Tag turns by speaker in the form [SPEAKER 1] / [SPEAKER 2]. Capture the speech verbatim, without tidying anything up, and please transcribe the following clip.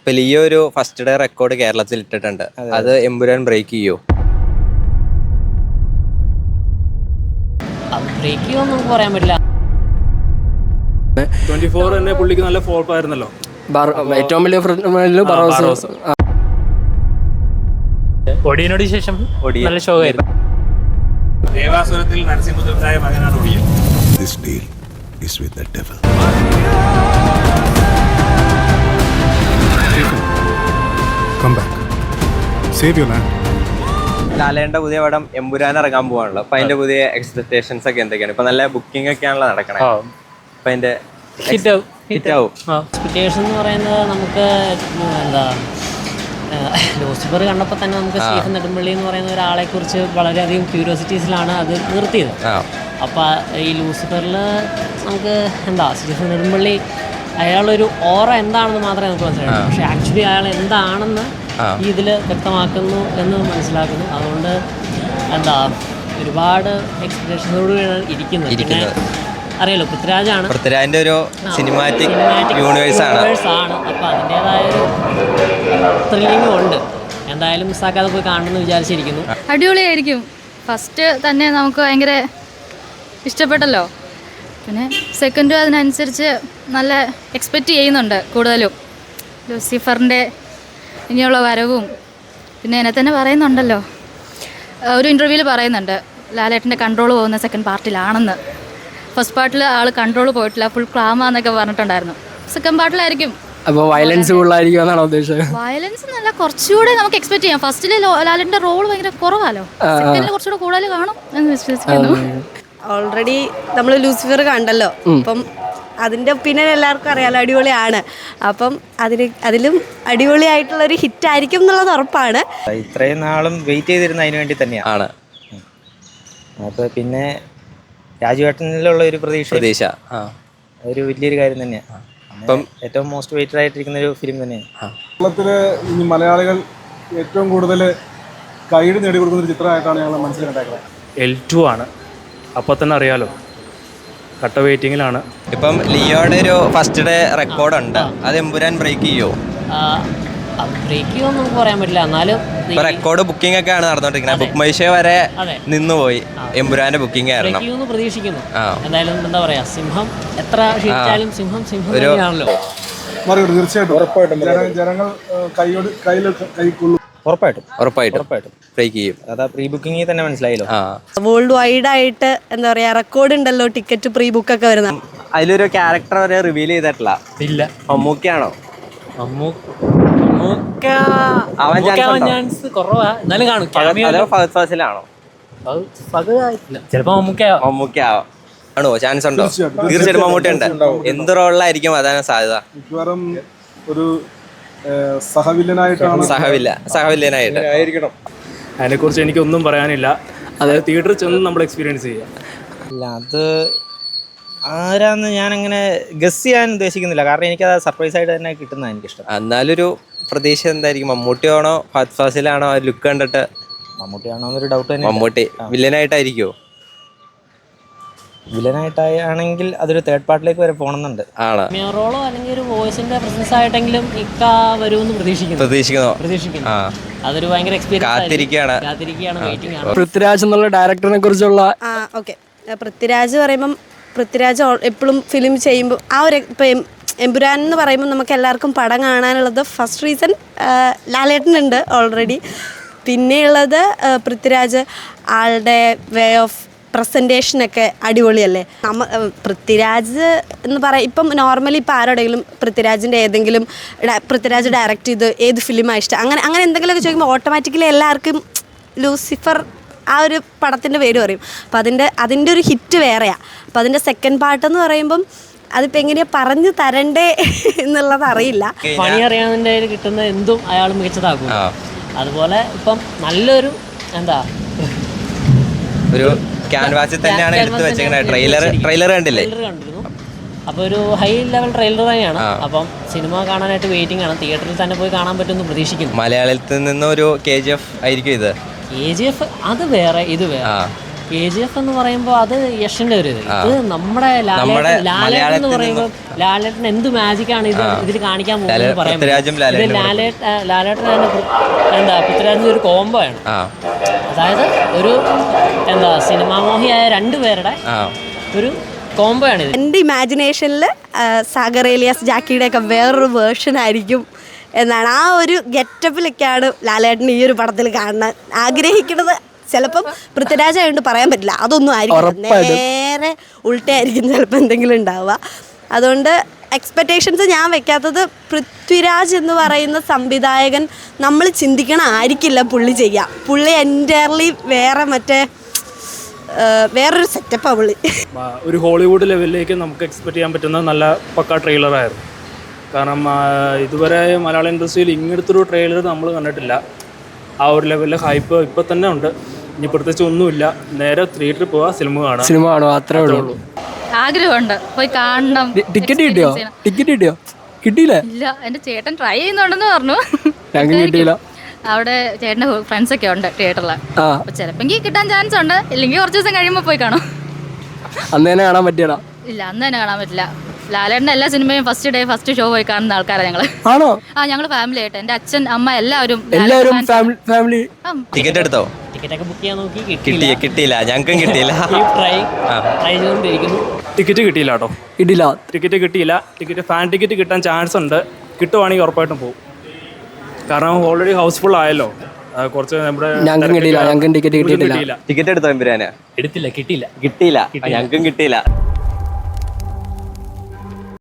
[SPEAKER 1] ഇപ്പൊ ലിയോ ഒരു first day record കേരളത്തിൽ ഇട്ടിട്ടുണ്ട്. അത് എമ്പുരാൻ ബ്രേക്ക് ചെയ്യോ?
[SPEAKER 2] ബ്രേക്ക് ചെയ്യുമെന്ന് നമുക്ക് പറയാൻ പറ്റില്ല.
[SPEAKER 3] ട്വന്റി ഫോർ തന്നെ പുള്ളിക്ക് നല്ല ഫോൾപ്പ് ആയിരുന്നല്ലോ.
[SPEAKER 4] ഏറ്റവും വലിയ
[SPEAKER 5] ഒടിയനോട് ശേഷം നല്ല ഷോ ആയിരുന്നു.
[SPEAKER 3] ദേവാസുരത്തിൽ നരസിംഹദേവനായ മകനാണ് ഒടിയൻ.
[SPEAKER 6] This deal is with the devil. Come back. Save your land.
[SPEAKER 1] ലാലേന്റെ പുതിയ പടം എമ്പുരാൻ ഇറങ്ങാൻ പോവാണല്ലോ. അപ്പൊ അതിന്റെ പുതിയ എക്സ്പെക്ടേഷൻസ് ഒക്കെ എന്തൊക്കെയാണ്? ഇപ്പൊ നല്ല ബുക്കിംഗ് ഒക്കെ ആണല്ലോ നടക്കണേ. അപ്പൊ അതിന്റെ
[SPEAKER 5] ഹിറ്റ് ആവും
[SPEAKER 1] ഹിറ്റ് ആവും.
[SPEAKER 2] എക്സ്പെക്ടേഷൻ എന്ന് പറയുന്നത് നമുക്ക് എന്താ ലൂസിഫർ കണ്ടപ്പോൾ തന്നെ നമുക്ക് സ്റ്റീഫൻ നെടുമ്പള്ളി എന്ന് പറയുന്ന ഒരാളെ കുറിച്ച് വളരെയധികം ക്യൂരിയോസിറ്റീസിലാണ് അത് നിർത്തിയത്. അപ്പോൾ ഈ ലൂസിഫറിൽ നമുക്ക് എന്താ സ്റ്റീഫൻ നെടുമ്പള്ളി അയാളൊരു ഓറ എന്താണെന്ന് മാത്രമേ നമുക്ക് മനസ്സിലാക്കൂ. പക്ഷെ ആക്ച്വലി അയാൾ എന്താണെന്ന് ഈ ഇതിൽ വ്യക്തമാക്കുന്നു എന്ന് മനസ്സിലാക്കുന്നു. അതുകൊണ്ട് എന്താ ഒരുപാട് എക്സ്പെക്ടേഷനോടുകൂടിയാണ് ഇരിക്കുന്നത്. പിന്നെ അറിയാലോ പൃഥ്വിരാജാണ്,
[SPEAKER 1] പൃഥ്വിരാജിന്റെ ഒരു സിനിമാറ്റിക് യൂണിവേഴ്സ് ആണ്.
[SPEAKER 2] അപ്പോൾ അതിൻ്റെതായ ഒരു ത്രില്ലിംഗും ഉണ്ട്. എന്തായാലും മിസ്സാക്കാതെ പോയി കാണണമെന്ന് വിചാരിച്ചിരിക്കുന്നു.
[SPEAKER 7] അടിപൊളിയായിരിക്കും. ഫസ്റ്റ് തന്നെ നമുക്ക് ഭയങ്കര ഇഷ്ടപ്പെട്ടല്ലോ. പിന്നെ സെക്കൻഡ് അതിനനുസരിച്ച് നല്ല എക്സ്പെക്റ്റ് ചെയ്യുന്നുണ്ട് കൂടുതലും. ലൂസിഫറിൻ്റെ ഇനിയുള്ള വരവും പിന്നെ എന്നെ തന്നെ പറയുന്നുണ്ടല്ലോ, ഒരു ഇൻ്റർവ്യൂവിൽ പറയുന്നുണ്ട് ലാലേട്ടൻ്റെ കൺട്രോൾ പോകുന്ന സെക്കൻഡ് പാർട്ടിലാണെന്ന്. ഫസ്റ്റ് പാർട്ടിൽ ആൾ കൺട്രോൾ പോയിട്ടില്ല, ഫുൾ ക്ലാമാന്നൊക്കെ പറഞ്ഞിട്ടുണ്ടായിരുന്നു. സെക്കൻഡ് പാർട്ടിലായിരിക്കും.
[SPEAKER 4] അപ്പോൾ വയലൻസ് കൂടുതലായിരിക്കും എന്നാണ് ഉദ്ദേശിച്ചത്?
[SPEAKER 7] വയലൻസ് എന്നല്ല, കുറച്ചുകൂടെ നമുക്ക് എക്സ്പെക്ട് ചെയ്യാം. ഫസ്റ്റിൽ ലാലേട്ടൻ്റെ റോൾ ഭയങ്കര കുറവാലോ, സെക്കൻഡിൽ കുറച്ചുകൂടെ കൂടുതൽ കാണും എന്ന് വിശ്വസിക്കുന്നു.
[SPEAKER 8] ഓൾറെഡി നമ്മൾ ലൂസിഫർ കണ്ടല്ലോ, അപ്പം അതിൻ്റെ ഒപ്പീനിയൻ എല്ലാവർക്കും അറിയാലോ, അടിപൊളിയാണ്. അപ്പം അതിന് അതിലും അടിപൊളിയായിട്ടുള്ളൊരു ഹിറ്റായിരിക്കും എന്നുള്ളത് ഉറപ്പാണ്.
[SPEAKER 9] ഇത്രയും നാളും വെയിറ്റ് ചെയ്തിരുന്ന അതിന് വേണ്ടി തന്നെയാണ്. അപ്പോൾ പിന്നെ രാജുവേട്ടനിലുള്ള ഒരു പ്രതീക്ഷ
[SPEAKER 1] പ്രതീക്ഷ
[SPEAKER 9] ഒരു വലിയൊരു കാര്യം തന്നെയാണ്. അപ്പം ഏറ്റവും മോസ്റ്റ് വെയിറ്റഡ് ആയിട്ടിരിക്കുന്ന ഒരു ഫിലിം തന്നെയാണ്.
[SPEAKER 3] കേരളത്തിലെ ഈ മലയാളികൾ ഏറ്റവും കൂടുതൽ കൈയ്യടി നേടിക്കൊടുക്കുന്ന ഒരു ചിത്രമായിട്ടാണ് ഞങ്ങൾ മനസ്സിലുണ്ടാക്കുന്നത്. എൽ ടു ആണ്, അപ്പോൾ തന്നെ അറിയാലോ, കട്ട വെയിറ്റിങ്ങിലാണ്.
[SPEAKER 1] ഇപ്പം ലിയോയുടെ ഒരു ഫസ്റ്റ് ഡേ റെക്കോർഡ് ഉണ്ട്. അത് എമ്പുരാൻ ബ്രേക്ക് ചെയ്യോ?
[SPEAKER 2] ബ്രേക്ക് ചെയ്യുമെന്ന് നമുക്ക് പറയാൻ പറ്റില്ല. എന്നാലും
[SPEAKER 1] ഇപ്പൊ റെക്കോർഡ് ബുക്കിംഗ് ഒക്കെ ആണ് നടന്നുകൊണ്ടിരിക്കുന്നത്. ബുക്ക് മൈ ഷോ വരെ നിന്നുപോയി. എമ്പുരാന്റെ ബുക്കിംഗ് ആയിരുന്നു.
[SPEAKER 2] പ്രതീക്ഷിക്കുന്നു. എന്തായാലും എന്താ പറയാ, സിംഹം എത്ര ക്ഷീണിച്ചാലും സിംഹം സിംഹം തന്നെയാണല്ലോ.
[SPEAKER 3] തീർച്ചയായിട്ടും ജനങ്ങൾ കൈയോട് കയ്യിൽ കൈക്കൊള്ളും.
[SPEAKER 9] ഉറപ്പായിട്ടും
[SPEAKER 1] ഉറപ്പായിട്ടും ഉറപ്പായിട്ടും ബ്രേക്ക് ചെയ്യും.
[SPEAKER 9] അതാ പ്രീ ബുക്കിംഗ് തന്നെ മനസ്സിലായല്ലോ.
[SPEAKER 8] വേൾഡ് വൈഡ് ആയിട്ട് എന്താ പറയാ റെക്കോർഡ് ഉണ്ടല്ലോ, ടിക്കറ്റ് പ്രീ ബുക്ക് ഒക്കെ വരുന്ന.
[SPEAKER 1] അതിലൊരു ക്യാരക്ടർ വരെ റിവീൽ ചെയ്തിട്ടില്ല.
[SPEAKER 5] ഇല്ല.
[SPEAKER 1] മമ്മൂക്കയാണോ?
[SPEAKER 5] ചാൻസ് കുറവാ, എന്നാലും കാണും. ചിലപ്പോ
[SPEAKER 1] മമ്മൂക്കയാവോ? ആണോ? ചാൻസ് ഉണ്ടോ? തീർച്ചയായിട്ടും മമ്മൂട്ടി ഉണ്ട്. എന്ത് റോളിലായിരിക്കും അതാണ് സാധ്യത?
[SPEAKER 3] ഒരു സഹവില്ലനായിട്ടാണ്.
[SPEAKER 1] സഹവില്ല സഹവില്ലനായിട്ട് ആയിരിക്കണം.
[SPEAKER 3] അതിനെക്കുറിച്ച് എനിക്കൊന്നും പറയാനില്ല. അതായത് തിയേറ്ററിൽ ചെന്ന് നമ്മൾ എക്സ്പീരിയൻസ് ചെയ്യാം.
[SPEAKER 9] ഇല്ല, അത് ആരാന്ന് ഞാനങ്ങനെ ഗസ് ചെയ്യാൻ ഉദ്ദേശിക്കുന്നില്ല. കാരണം എനിക്കത് സർപ്രൈസ് ആയിട്ട് തന്നെ കിട്ടുന്നതാണ് എനിക്കിഷ്ടം.
[SPEAKER 1] എന്നാലൊരു പ്രതീക്ഷ എന്തായിരിക്കും? മമ്മൂട്ടിയാണോ ഫഹദ് ഫാസിലാണോ? ലുക്ക് കണ്ടിട്ട്
[SPEAKER 9] മമ്മൂട്ടിയാണോ എന്നൊരു ഡൗട്ട് തന്നെ.
[SPEAKER 1] മമ്മൂട്ടി വില്ലനായിട്ടായിരിക്കുമോ?
[SPEAKER 9] വില്ലനായിട്ടാണെങ്കിൽ അതൊരു തേർഡ് പാർട്ടിലേക്ക് വരെ പോകണമെന്നുണ്ട്.
[SPEAKER 1] ആണ്
[SPEAKER 2] റോളോ അല്ലെങ്കിൽ ഒരു വോയിസിന്റെ പ്രസൻസ് ആയിട്ടെങ്കിലും ഇക്ക വരുമെന്ന് പ്രതീക്ഷിക്കുന്നു
[SPEAKER 1] പ്രതീക്ഷിക്കുന്നു
[SPEAKER 2] പ്രതീക്ഷിക്കുന്നു അതൊരു ഭയങ്കര എക്സ്പീരിയൻസ്
[SPEAKER 1] കാത്തിരിക്കുകയാണ്
[SPEAKER 2] കാത്തിരിക്കുകയാണ് വെയിറ്റിംഗ് ആണ്.
[SPEAKER 4] പൃഥ്വിരാജ് എന്നുള്ള ഡയറക്ടറിനെ കുറിച്ചുള്ള
[SPEAKER 8] ആ ഓക്കെ, പൃഥ്വിരാജ് പറയുമ്പം പൃഥ്വിരാജ് എപ്പോഴും ഫിലിം ചെയ്യുമ്പോൾ ആ ഒരു ഇപ്പം എമ്പുരാൻ എന്ന് പറയുമ്പോൾ നമുക്ക് എല്ലാവർക്കും പടം കാണാനുള്ളത് ഫസ്റ്റ് റീസൺ ലാലേട്ടനുണ്ട് ഓൾറെഡി. പിന്നെയുള്ളത് പൃഥ്വിരാജ് ആളുടെ വേ ഓഫ് പ്രസൻറ്റേഷനൊക്കെ അടിപൊളിയല്ലേ. നമ്മ പൃഥ്വിരാജ് എന്ന് പറയാം, ഇപ്പം നോർമലി ഇപ്പം ആരോടെങ്കിലും പൃഥ്വിരാജിൻ്റെ ഏതെങ്കിലും പൃഥ്വിരാജ് ഡയറക്റ്റ് ചെയ്ത് ഏത് ഫിലിമാണ് ഇഷ്ടം, അങ്ങനെ അങ്ങനെ എന്തെങ്കിലുമൊക്കെ ചോദിക്കുമ്പോൾ ഓട്ടോമാറ്റിക്കലി എല്ലാവർക്കും ലൂസിഫർ ആ ഒരു പടത്തിൻ്റെ പേര് പറയും. അപ്പോൾ അതിൻ്റെ അതിൻ്റെ ഒരു ഹിറ്റ് വേറെയാണ്. അപ്പോൾ അതിൻ്റെ സെക്കൻഡ് പാർട്ടെന്ന് പറയുമ്പം അതിപ്പോൾ എങ്ങനെയാണ് പറഞ്ഞു തരണ്ടേ എന്നുള്ളത് അറിയില്ല.
[SPEAKER 2] പണി അറിയാവുന്നതിൻ്റെ കിട്ടുന്ന എന്തും അയാൾ മികച്ചതാക്കും. അതുപോലെ ഇപ്പം നല്ലൊരു എന്താ
[SPEAKER 1] ഒരു ക്യാൻവാസിൽ തന്നെയാണ് എടുത്ത് വെച്ചേക്കുന്നത്. ട്രെയിലർ ട്രെയിലർ കണ്ടില്ലേ?
[SPEAKER 2] കണ്ടിരുന്നു. അപ്പോൾ ഒരു ഹൈ ലെവൽ ട്രെയിലർ തന്നെയാണ്. അപ്പം സിനിമ കാണാനായിട്ട് വെയിറ്റിംഗ് ആണ്. തിയേറ്ററിൽ തന്നെ പോയി കാണാൻ പറ്റുമെന്ന് പ്രതീക്ഷിക്കുന്നു.
[SPEAKER 1] മലയാളത്തിൽ നിന്ന് ഒരു കെ ജി എഫ് ആയിരിക്കും ഇത്.
[SPEAKER 2] കെ ജി എഫ് അത് വേറെ ഇത് വേറെ. കെ ജി എഫ് എന്ന് പറയുമ്പോൾ അത് യഷിന്റെ ഒരു ഇത് ഇത് നമ്മുടെ
[SPEAKER 1] നമ്മുടെ
[SPEAKER 2] ലാലേട്ടൻ ലാലേട്ടൻ എന്ന് പറയുമ്പോൾ ലാലേട്ടൻ എന്ത് മാജിക്കാണ് ഇത് ഇതിൽ കാണിക്കാൻ പോകുന്നത് പറയാൻ പറ്റും. ഇത് ലാലേട്ട ലാലേട്ടൻ തന്നെ പൃ- എന്താ പൃഥ്വിരാജിന്റെ ഒരു കോംബോ ആണ്. അതായത് ഒരു എന്താ സിനിമാമോഹിയായ രണ്ടുപേരുടെ ഒരു കോംബോ ആണ് ഇത്.
[SPEAKER 8] എൻ്റെ ഇമാജിനേഷനിൽ സാഗർ ഏലിയാസ് ജാക്കിയുടെ ഒക്കെ വേറൊരു വേർഷൻ ആയിരിക്കും എന്നാണ്. ആ ഒരു ഗെറ്റപ്പിലൊക്കെയാണ് ലാലേട്ടൻ ഈ ഒരു പടത്തിൽ കാണാൻ ആഗ്രഹിക്കുന്നത്. ചിലപ്പം പൃഥ്വിരാജ് ആയതുകൊണ്ട് പറയാൻ പറ്റില്ല, അതൊന്നും ആയിരിക്കും, നേരെ ഉൾട്ടയായിരിക്കും ചിലപ്പോൾ എന്തെങ്കിലും ഉണ്ടാവുക. അതുകൊണ്ട് എക്സ്പെക്റ്റേഷൻസ് ഞാൻ വെക്കാത്തത് പൃഥ്വിരാജ് എന്ന് പറയുന്ന സംവിധായകൻ നമ്മൾ ചിന്തിക്കണ ആയിരിക്കില്ല പുള്ളി ചെയ്യുക. പുള്ളി എൻറ്റയർലി വേറെ മറ്റേ വേറൊരു സെറ്റപ്പാണ് പുള്ളി.
[SPEAKER 3] ഒരു ഹോളിവുഡ് ലെവലിലേക്ക് നമുക്ക് എക്സ്പെക്ട് ചെയ്യാൻ പറ്റുന്ന നല്ല പക്ക ട്രെയിലറായിരുന്നു. കാരണം ഇതുവരെ മലയാള ഇൻഡസ്ട്രിയിൽ ഇങ്ങനത്തൊരു ട്രെയിലർ നമ്മൾ കണ്ടിട്ടില്ല. ആ ഒരു ലെവലിലെ ഹൈപ്പ് ഇപ്പം തന്നെ ഉണ്ട്. ഇനി പ്രത്യേകിച്ച് ഒന്നുമില്ല, നേരെ തിയേറ്ററിൽ പോവാ, സിനിമ കാണാം
[SPEAKER 4] സിനിമ കാണുക, അത്രേ ഉള്ളൂ.
[SPEAKER 7] ആഗ്രഹമുണ്ട് പോയി കാണണം.
[SPEAKER 4] ടിക്കറ്റ് കിട്ടിയോ? ടിക്കറ്റ് കിട്ടിയോ? കിട്ടിയില്ലേ?
[SPEAKER 7] ഇല്ല, എൻ്റെ ചേട്ടൻ ട്രൈ ചെയ്യുന്നുണ്ടെന്ന് പറഞ്ഞു.
[SPEAKER 4] ഞങ്ങൾക്ക് കിട്ടിയില്ല.
[SPEAKER 7] അവിടെ ചേട്ടൻ്റെ ഫ്രണ്ട്സ് ഒക്കെ ഉണ്ട് തിയേറ്ററിൽ. അപ്പൊ ചിലപ്പോൾ കിട്ടാൻ ചാൻസ് ഉണ്ട്, ഇല്ലെങ്കിൽ കുറച്ച് ദിവസം കഴിയുമ്പോൾ പോയി കാണും.
[SPEAKER 4] അന്ന് തന്നെ കാണാൻ പറ്റിയടാ?
[SPEAKER 7] ഇല്ല, അന്ന് തന്നെ കാണാൻ പറ്റില്ല. ലാലേട്ടൻ്റെ എല്ലാ സിനിമയും ഫസ്റ്റ് ഡേ ഫസ്റ്റ് ഷോ പോയി കാണുന്ന ആൾക്കാരാണ് ഞങ്ങള്.
[SPEAKER 4] ആണോ?
[SPEAKER 7] ആ, ഞങ്ങള് ഫാമിലി ആയിട്ട് എൻ്റെ അച്ഛൻ അമ്മ എല്ലാവരും
[SPEAKER 4] എല്ലാവരും ഫാമിലി.
[SPEAKER 1] ടിക്കറ്റ് എടുത്തോ?
[SPEAKER 2] ടിക്കറ്റ് ഒക്കെ ബുക്ക് ചെയ്യാൻ നോക്കി
[SPEAKER 1] കിട്ടിയ കിട്ടിയില്ല, ഞങ്ങൾക്കും കിട്ടിയില്ല.
[SPEAKER 2] ട്രൈ ട്രൈ ചെയ്തുകൊണ്ടിരിക്കുന്നു.
[SPEAKER 3] ടിക്കറ്റ് കിട്ടിയില്ല കേട്ടോ.
[SPEAKER 4] കിട്ടിയില്ല.
[SPEAKER 3] ടിക്കറ്റ് കിട്ടിയില്ല. ടിക്കറ്റ് ഫാൻ ടിക്കറ്റ് കിട്ടാൻ ചാൻസ് ഉണ്ട്. കിട്ടുവാണെങ്കിൽ ഉറപ്പായിട്ടും പോകും. കാരണം ഓൾറെഡി ഹൗസ്ഫുൾ ആയല്ലോ. കുറച്ച് നമ്മുടെ
[SPEAKER 4] ഞങ്ങൾക്കും കിട്ടിയില്ല. ഞങ്ങൾക്കും ടിക്കറ്റ് കിട്ടിയിട്ടില്ല.
[SPEAKER 1] ടിക്കറ്റ് എടുത്തോ എമ്പുരാന്?
[SPEAKER 5] എടുത്തില്ല, കിട്ടിയില്ല.
[SPEAKER 1] കിട്ടിയില്ല, ഞങ്ങൾക്കും കിട്ടിയില്ല.